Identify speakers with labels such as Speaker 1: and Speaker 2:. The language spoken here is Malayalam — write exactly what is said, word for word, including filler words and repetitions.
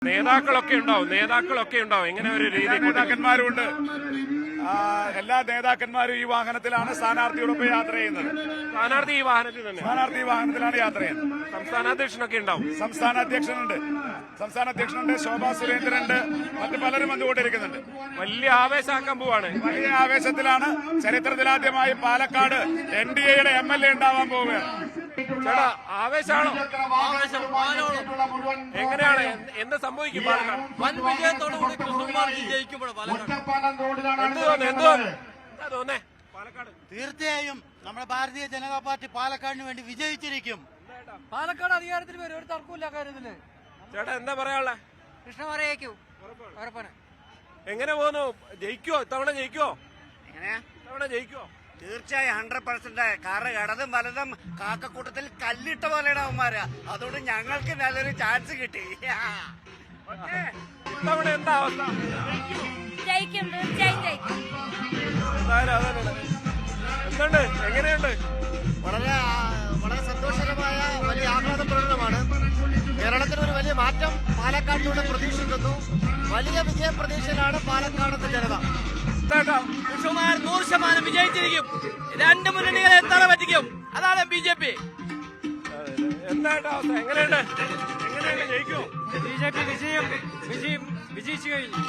Speaker 1: നേതാക്കളൊക്കെ ഉണ്ടാവും നേതാക്കളൊക്കെ ഉണ്ടാവും ഇങ്ങനെ ഒരു രീതി
Speaker 2: നേതാക്കന്മാരുണ്ട്. എല്ലാ നേതാക്കന്മാരും ഈ വാഹനത്തിലാണ് സ്ഥാനാർത്ഥിയോടൊപ്പം യാത്ര ചെയ്യുന്നത്.
Speaker 1: സ്ഥാനാർത്ഥി ഈ വാഹനത്തിൽ തന്നെ
Speaker 2: സ്ഥാനാർത്ഥി ഈ വാഹനത്തിലാണ് യാത്ര ചെയ്യുന്നത്.
Speaker 1: സംസ്ഥാന അധ്യക്ഷനൊക്കെ ഉണ്ടാവും.
Speaker 2: സംസ്ഥാന അധ്യക്ഷനുണ്ട് സംസ്ഥാന അധ്യക്ഷനുണ്ട് ശോഭാ സുരേന്ദ്രനുണ്ട്, മറ്റു പലരും വന്നുകൊണ്ടിരിക്കുന്നുണ്ട്.
Speaker 1: വലിയ ആവേശാക്കാൻ പോവാണ്.
Speaker 2: വലിയ ആവേശത്തിലാണ്. ചരിത്രത്തിലാദ്യമായി പാലക്കാട് എൻ ഡി എയുടെ എം എൽ എ ഉണ്ടാവാൻ പോവുകയാണ്.
Speaker 1: ചേട്ടാ ആവേശാണോ? എങ്ങനെയാണ് എന്ത് സംഭവിക്കും? പാലക്കാട്
Speaker 3: വൻ വിജയത്തോടുകൂടി കൃഷ്ണകുമാർ ജയിക്കുമ്പോൾ
Speaker 1: എന്താ തോന്നേ? പാലക്കാട്
Speaker 4: തീർച്ചയായും നമ്മുടെ ഭാരതീയ ജനതാ പാർട്ടി പാലക്കാടിന് വേണ്ടി വിജയിച്ചിരിക്കും.
Speaker 3: പാലക്കാട് അധികാരത്തിൽ വരും, ഒരു തർക്കമില്ല കാര്യത്തില്.
Speaker 1: ചേട്ടാ എന്താ പറയാനുള്ള?
Speaker 3: കൃഷ്ണകുമാർ ജയിക്കൂ, ഉറപ്പാണ്.
Speaker 1: എങ്ങനെ പോകുന്നു? ജയിക്കുവോ? ഇത്തവണ ജയിക്കുവോ?
Speaker 5: എങ്ങനെയാ?
Speaker 1: ഇത്തവണ ജയിക്കുവോ?
Speaker 5: തീർച്ചയായും ഹൺഡ്രഡ് പെർസെന്റ്. കാരണം ഇടതും വലതും കാക്കക്കൂട്ടത്തിൽ കല്ലിട്ട പോലെയാണ് അവന്മാര്. അതുകൊണ്ട് ഞങ്ങൾക്ക് നല്ലൊരു ചാൻസ് കിട്ടി.
Speaker 1: ഇത്തവണ എന്താ അവസ്ഥ?
Speaker 6: ജയിക്കും, തീർച്ചയായും ജയിക്കും.
Speaker 1: എന്തായാലും അതന്നെ. എന്തുണ്ട്? എങ്ങനെയുണ്ട്?
Speaker 4: വളരെ വളരെ സന്തോഷകരമായ വലിയ ആഹ്ലാദ പ്രകടനമാണ്. കേരളത്തിന് ഒരു വലിയ മാറ്റം പാലക്കാടിലൂടെ പ്രതീക്ഷിക്കുന്നു. വലിയ വിജയ പ്രതീക്ഷയിലാണ് പാലക്കാടത്തെ ജനത.
Speaker 3: കൃഷ്ണകുമാർ നൂറ് ശതമാനം വിജയിച്ചിരിക്കും. രണ്ട് മുന്നണികളെ എത്താൻ പറ്റിക്കും. അതാണ് ബി ജെ പി.
Speaker 1: എന്തായിട്ട് അവസ്ഥ? എങ്ങനെയുണ്ട്? എങ്ങനെയുണ്ട്? ജയിക്കുമോ?
Speaker 3: ബി ജെ പി വിജയം വിജയം വിജയിച്ചു കഴിഞ്ഞു.